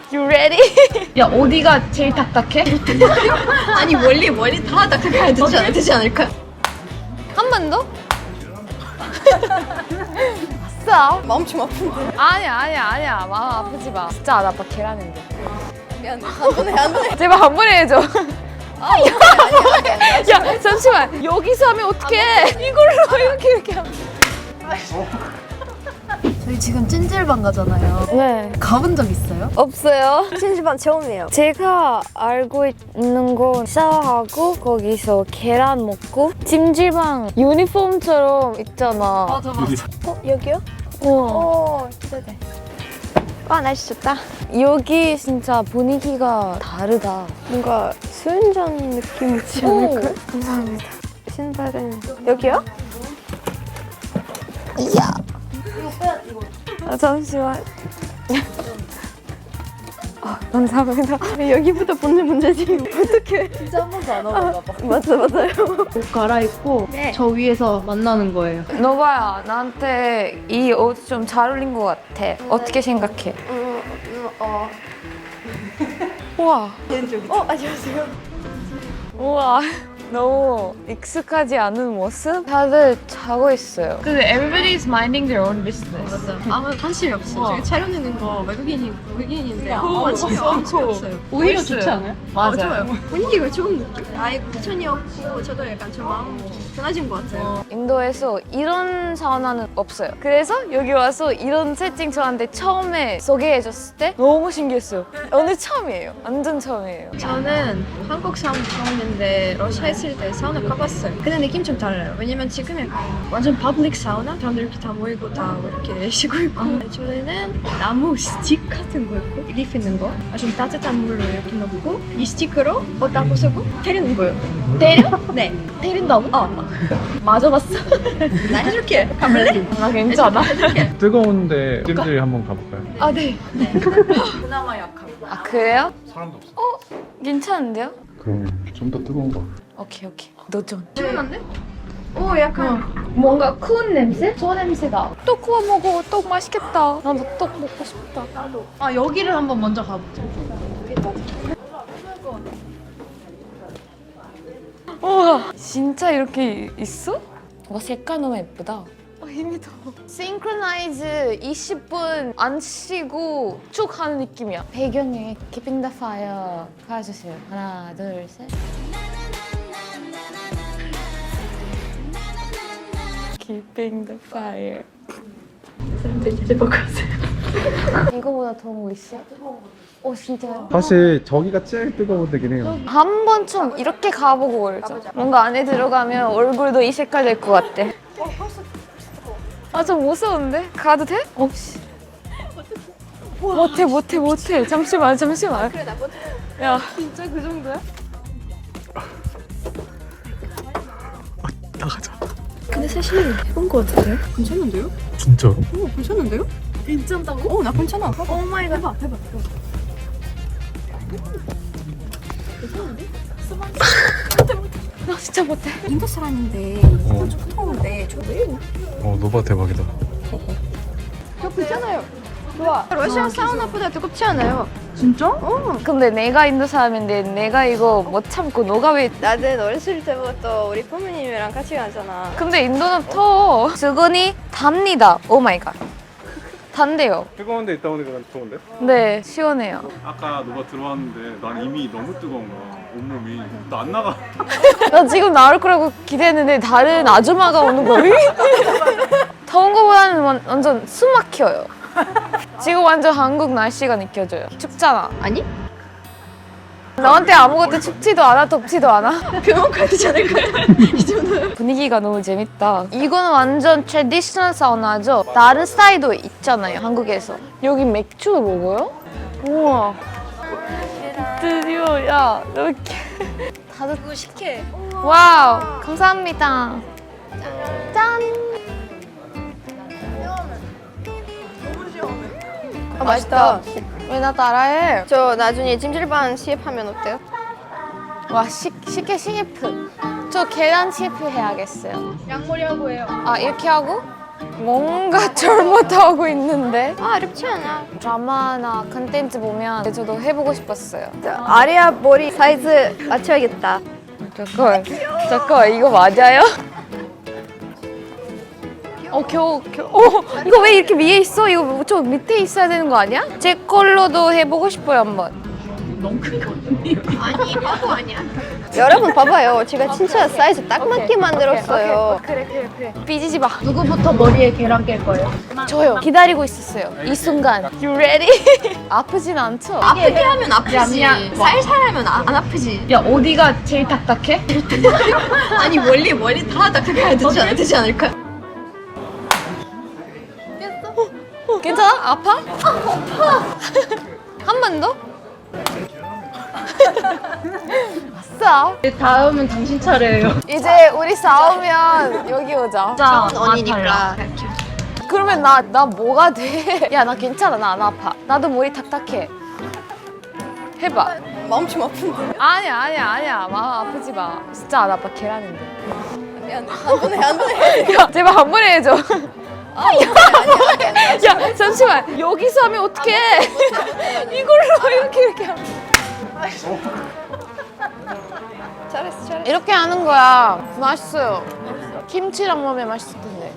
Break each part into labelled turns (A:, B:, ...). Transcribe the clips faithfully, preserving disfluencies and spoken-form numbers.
A: You ready? 야 어디가 제일 딱딱해?
B: 아니 멀리 멀리 다 딱딱해야 되지, 않, 되지 않을까?
A: 한 번 더? 아싸.
B: 마음 좀 아픈데.
A: 아니야 아니야 아니야 마음 아프지 마. 진짜 안 아파 계란인데.
B: 미안해. 안 보내 안 보내.
A: 제발 한 번에 해줘.
B: 아 아니야 아니야. 아니야.
A: 야 잠시만 여기서 하면 어떡해? 이걸로 이렇게 이렇게 하면.
C: 저희 지금 찜질방 가잖아요.
A: 네.
C: 가본 적 있어요?
A: 없어요.
B: 찜질방 처음이에요.
A: 제가 알고 있는 건 샤워하고 거기서 계란 먹고 찜질방 유니폼처럼 있잖아.
C: 맞아 맞아.
B: 어 여기요?
A: 어.
B: 어 네네. 와 날씨 좋다.
A: 여기 진짜 분위기가 다르다.
B: 뭔가 수윤전 느낌이지
A: 오.
B: 않을까? 감사합니다. 신발은 여기요? 이야. 아, 잠시만. 아, 감사합니다. 여기부터 보는 문제지. 어떡해.
C: 진짜 한 번도 안 와봐. 봐.
B: 맞아, 맞아요.
C: 옷 갈아입고
B: 네.
C: 저 위에서 만나는 거예요.
A: 너봐야 나한테 이 옷 좀 잘 어울린 것 같아. 어떻게 생각해?
B: 음, 음, 어.
A: 우와.
B: 어, 안녕하세요.
A: 우와. 너무 익숙하지 않은 모습? 다들 자고 있어요. 근데 everybody's minding their own business.
C: 맞아. 아무 관심이 없어.
A: 어.
C: 저기 촬영되는 거 외국인이 외국인인데 아무
A: 어,
C: 관심이
A: 어,
C: 엄청
A: 어.
C: 없어요. 오히려
A: 멋있어요.
C: 좋지 않아요?
A: 맞아요.
C: 어, 좋아요.
B: 분위기가 좋은 느낌? 아예 부천이었고, 저도 약간 좀 마음 편해진 것 같아요.
A: 인도에서 이런 사우나는 없어요. 그래서 여기 와서 이런 세팅 저한테 처음에 소개해줬을 때 너무 신기했어요. 오늘 처음이에요. 완전 처음이에요.
B: 저는 한국 사우나 처음인데 러시아 있을 때 사우나 가봤어요. 근데 느낌 좀 달라요. 왜냐면 지금 약간 완전 퍼블릭 사우나? 사람들 이렇게 다 모이고 다 이렇게 쉬고 있고 저희는 나무 스틱 같은 거 있고 리프 있는 거 아주 따뜻한 물로 이렇게 넣고 이 스틱으로 옷 다 벗고 때리는 거예요.
A: 때려?
B: 네.
A: 때린다고?
B: 어.
A: 맞아봤어.
B: 나 해줄게. 가볼래?
A: 나 괜찮아.
D: 뜨거운데 찜질 한번 가볼까요?
A: 아, 네.
C: 그나마 약하고.
A: 아, 그래요?
D: 사람도 없어.
A: 괜찮은데요?
D: 그럼 좀 더 뜨거운 거.
A: 오케이, 오케이. 도전.
B: 시원한데? 오 약간
A: 뭔가 쿠운 냄새? 저 냄새다. 떡 구워 먹어. 떡 맛있겠다. 나도 떡 먹고 싶다.
B: 나도.
C: 아 여기를 한번 먼저 가보자.
A: 우와, 진짜 이렇게 있어? 와, 색깔 너무 예쁘다. 어, 힘이 더워. 싱크로나이즈 이십 분 안 쉬고 쭉 하는 느낌이야. 배경에 Keeping the Fire 가주세요. 하나, 둘, 셋. Keeping the Fire.
B: 사람들 이제 보고 있어요.
A: 이거보다 더운 거 있어? 어, 진짜요?
D: 사실 저기가 제일 뜨거운 데긴 해요.
A: 한 번쯤 이렇게 가보고 올자. 뭔가 안에 들어가면 얼굴도 이 색깔 될 것 같아. 아, 좀 무서운데? 가도 돼? 없이. 못해, 못해, 못해. 잠시만, 잠시만.
B: 그래 나 먼저.
A: 야, 진짜 그 정도야?
D: 나가자.
B: 근데 사실 해본 것 같은데요? 괜찮은데요?
D: 진짜로?
B: 오 괜찮은데요?
C: 괜찮다고?
B: 오 나 괜찮아. 오 마이 갓. 해봐 해봐.
A: 나 진짜 못해.
B: 인도 사람인데
D: 어.
B: 좀 더운데 저 왜요?
D: 어, 노바 대박이다.
B: 저 괜찮아요. 좋아. 러시아 사우나보다 뜨겁지 않아요.
C: 진짜?
B: 어.
A: 근데 내가 인도 사람인데 내가 이거 못 참고 너가 왜...
B: 나는 어렸을 때부터 우리 부모님이랑 같이 가잖아.
A: 근데 인도는 더워. 수건이 답니다. 오 마이 갓. 단대요.
D: 뜨거운 데 있다 보니까 더운데?
A: 네, 시원해요.
D: 아까 노바 들어왔는데 난 이미 너무 뜨거운 거야. 온몸이. 나 안 나가.
A: 나 지금 나올 거라고 기대했는데 다른 아줌마가 오는 거야. 더운 거보다는 완- 완전 숨 막혀요. 지금 완전 한국 날씨가 느껴져요. 춥잖아.
B: 아니?
A: 너한테 아무것도 춥지도 않아, 덥지도 않아.
B: 병원 가야 되지 않을까요? 이 정도면.
A: 분위기가 너무 재밌다. 이거는 완전 트레디셔널 사우나죠? 다른 스타일도 있잖아요, 한국에서. 여기 맥주 먹어요? 우와. 드디어, 야, 너 이렇게. 다들
B: 그거 식혜.
A: 와우, 감사합니다. 짠.
B: 아, 맛있다.
A: 왜 나 따라해?
B: 저 나중에 찜질방 시합하면 어때요?
A: 와, 시, 식혜 시프. 저 계란 시프 해야겠어요.
B: 양머리 하고 해요.
A: 아, 이렇게 하고? 뭔가 잘못하고 있는데
B: 아 어렵지 않아.
A: 드라마나 컨텐츠 보면 저도 해보고 싶었어요.
B: 아리아 머리 사이즈 맞춰야겠다.
A: 잠깐 잠깐 이거 맞아요? 어 겨우 겨우 어 이거 왜 이렇게 위에 있어? 이거 저 밑에 있어야 되는 거 아니야? 제 걸로도 해보고 싶어요 한번.
B: 아니 바보 아니야. 여러분 봐봐요. 제가 진짜 사이즈 딱 맞게 만들었어요.
A: 그래 그래 그래. 삐지지 마.
C: 누구부터 머리에 계란 깰 거예요?
A: 저요. 기다리고 있었어요. 이 순간. You ready? 아프진 않죠?
B: 아프게 하면 아프지.
C: 야, 미안.
B: 살살 하면 아, 안 아프지.
C: 야 어디가 제일 딱딱해?
B: 아니 멀리 멀리 다 딱딱해야 되지, 않, 되지 않을까?
A: 괜찮아? 아파? 한 번 더? 아싸.
C: 다음은 당신 차례예요.
A: 이제 우리 싸우면 여기 오자.
C: 자,
B: 언니니까.
A: 그러면 나, 나 뭐가 돼? 야, 나 괜찮아. 나 안 아파. 나도 머리 탁탁해. 해봐.
B: 마음 좀 아픈데.
A: 아니야, 아니야, 아니야. 마음 아프지 마. 진짜 안 아파. 계란인데.
B: 미안. 한 번에 한 번에.
A: 야, 제발 한 번에 해줘.
B: 아, 아니야, 아니야, 아니야.
A: 야, 잠시만. 여기서 하면 어떡해? 이걸로 이렇게 이렇게 하면.
B: 잘했어, 잘했어.
A: 이렇게 하는 거야. 맛있어요. 김치랑 먹으면 맛있을 텐데.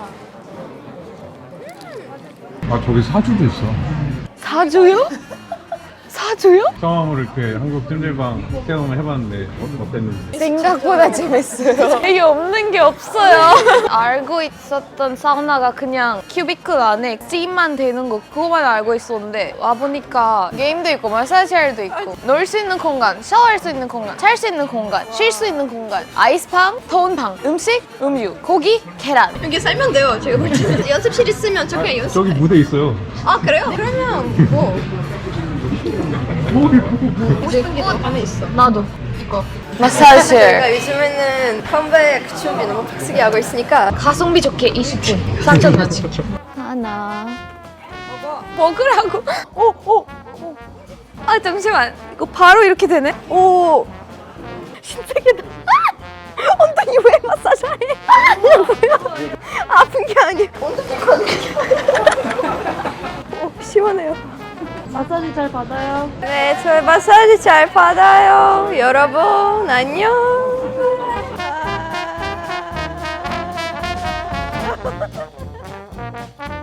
D: 아 저기 사주도 있어.
A: 사주요? 사주요?
D: 상황으로 이렇게 한국 찜질방 체험을 해봤는데 어땠는지.
A: 생각보다 재밌어요. 이게 없는 게 없어요. 알고 있었던 사우나가 그냥 큐비클 안에 찜만 되는 거 그거만 알고 있었는데 와보니까 게임도 있고 마사지할도 있고 놀 수 있는 공간, 샤워할 수 있는 공간, 잘 수 있는 공간, 쉴 수 있는 공간, 아이스방, 더운 방, 음식, 음료, 고기, 계란.
B: 여기 살면 돼요. 제가 볼 때는 연습실 있으면 저 그냥 연습.
D: 저기 무대 있어요.
B: 아 그래요? 그러면 뭐 보고 싶은 게 더 안에 있어.
A: 나도. 이거. 마사지.
B: 저희가 요즘에는 컴백 준비 너무 빡세게 하고 있으니까
A: 가성비 좋게 이십 분. 삼천 원치. 하나. 먹으라고. 오, 오, 오. 아, 잠시만. 이거 바로 이렇게 되네? 오. 신세계다. 아! 엉덩이 왜 마사지 해?
B: 뭐야? 아픈 게 아니야. 엉덩이가 아니야. 오, 시원해요.
C: 마사지 잘 받아요.
B: 네, 저 마사지 잘 받아요. 여러분, 안녕. 아.